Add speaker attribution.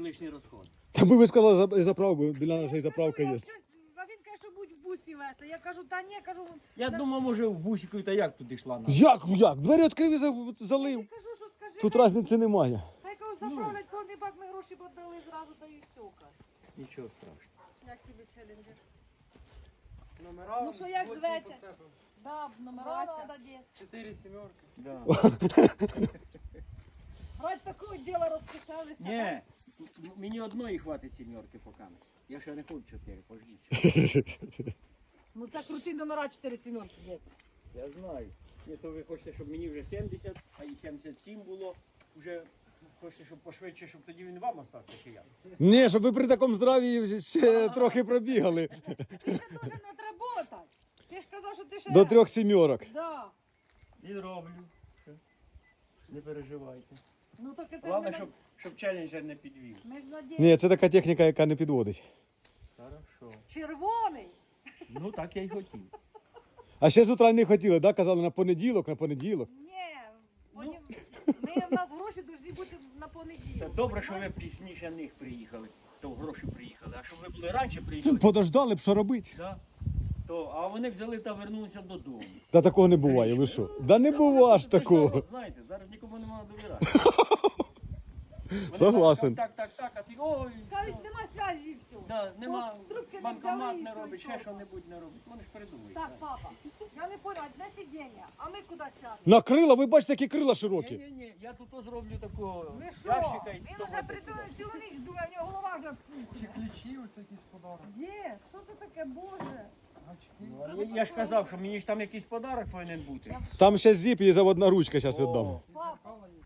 Speaker 1: лишній розход.
Speaker 2: Та ми сказали заправку, біля нашої заправки є.
Speaker 3: А він каже, що будь в бусі вести. Я кажу, та ні, кажу.
Speaker 1: Я думав, може в бусику та як туди йшла.
Speaker 2: Як? Двері відкрив і залив.
Speaker 3: Я кажу, що скажи.
Speaker 2: Тут різниці немає.
Speaker 3: Хай кого заправлять повний бак, ми гроші подали зразу, та і все. каже.
Speaker 1: Нічого страшного.
Speaker 3: Як тобі челенджер?
Speaker 4: Номера.
Speaker 3: Ну що, як
Speaker 4: потім
Speaker 3: зветься?
Speaker 4: поцепимо.
Speaker 3: Да, номера надо діти.
Speaker 4: 4 сімерки.
Speaker 1: Да.
Speaker 3: Ради такого діла розпочалися.
Speaker 1: Ні, мені одної хватить сімерки поки. Я ще не хочу 4, пождіть.
Speaker 3: Ну це круті номера 4 сімерки. дід.
Speaker 1: Я знаю. Ні, то ви хочете, щоб мені вже 70, а і 77 було. Вже хочете, щоб пошвидше, щоб тоді він вам остався, чи я?
Speaker 2: Ні, щоб ви при такому здраві ще трохи пробігали.
Speaker 3: Ти ще дуже не отработай. Ти ж казав, що ти ще...
Speaker 2: До 3 сімерок.
Speaker 3: Да.
Speaker 1: І роблю. Все. Не переживайте.
Speaker 3: Ну так це
Speaker 1: Головне,
Speaker 3: ж
Speaker 1: щоб челенджер не підвів.
Speaker 3: ми ж надіємо.
Speaker 2: Ні, це така техніка, яка не підводить.
Speaker 1: Хорошо.
Speaker 3: Червоний.
Speaker 1: Ну так я й хотів.
Speaker 2: А ще з утра не хотіли, да? Казали на понеділок.
Speaker 3: Ні, ми в нас гроші повинні бути на понеділок.
Speaker 1: Це добре, що ви пізніше них приїхали, то гроші приїхали. А щоб ви були раніше приїхали,
Speaker 2: Подождали б, що робити.
Speaker 1: да, а вони взяли та вернулися додому.
Speaker 2: Та такого не буває, ви що? Да не бува ж
Speaker 1: Це ж
Speaker 2: такого.
Speaker 1: народ, знаєте, зараз нікому не можна довіряти. Вони
Speaker 2: Согласен.
Speaker 1: кажуть, так, а ти ой,
Speaker 3: Кажуть, нема зв'язі і все.
Speaker 1: да, нема,
Speaker 3: От трубки не
Speaker 1: банкомат
Speaker 3: взяли і
Speaker 1: не
Speaker 3: все,
Speaker 1: робить,
Speaker 3: і
Speaker 1: ще
Speaker 3: все.
Speaker 1: що-небудь не робить. Вони ж придумають.
Speaker 3: Так, папа, я не поняла, одне сидіння, а ми куди сядемо?
Speaker 2: На крила, ви бачите, які крила широкі.
Speaker 1: Ні, я тут зроблю такого
Speaker 3: Ви що?
Speaker 1: ящика і
Speaker 3: Він
Speaker 1: то
Speaker 3: уже
Speaker 1: буде
Speaker 3: придумав
Speaker 1: сюди.
Speaker 3: цілу ніч, думає, в нього голова вже
Speaker 4: Чи ключі, ось якісь подарунки.
Speaker 3: Де? Що це таке, Боже?
Speaker 4: Очки.
Speaker 1: Ну, я ж казав, що мені ж там якийсь подарок повинен бути.
Speaker 2: Там ще зіп і заводна ручка, зараз віддам.
Speaker 1: О,
Speaker 3: Папа,
Speaker 4: Кава є.